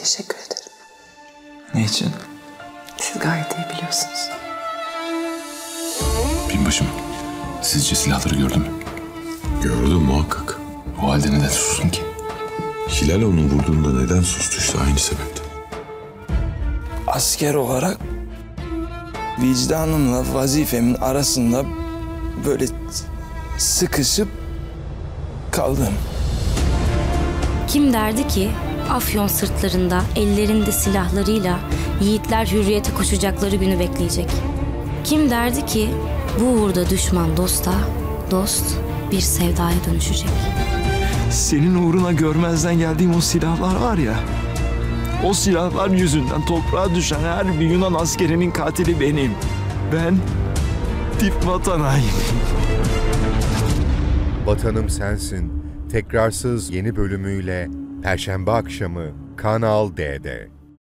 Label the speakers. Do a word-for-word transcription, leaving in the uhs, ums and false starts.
Speaker 1: teşekkür ederim.
Speaker 2: Ne için?
Speaker 1: Siz gayet iyi biliyorsunuz.
Speaker 3: Binbaşım, sizce silahları gördü mü?
Speaker 4: Gördüm muhakkak.
Speaker 3: O halde neden sustun ki?
Speaker 4: Hilal onu vurduğunda neden sustu işte aynı sebepten.
Speaker 2: Asker olarak vicdanımla vazifemin arasında böyle sıkışıp kaldım.
Speaker 5: Kim derdi ki Afyon sırtlarında, ellerinde silahlarıyla yiğitler hürriyete koşacakları günü bekleyecek? Kim derdi ki bu uğurda düşman dosta, dost bir sevdaya dönüşecek?
Speaker 2: Senin uğruna görmezden geldiğim o silahlar var ya, o silahlar yüzünden toprağa düşen her bir Yunan askerinin katili benim. Ben dip vatan hainiyim.
Speaker 6: Vatanım Sensin, tekrarsız yeni bölümüyle Perşembe akşamı Kanal D'de.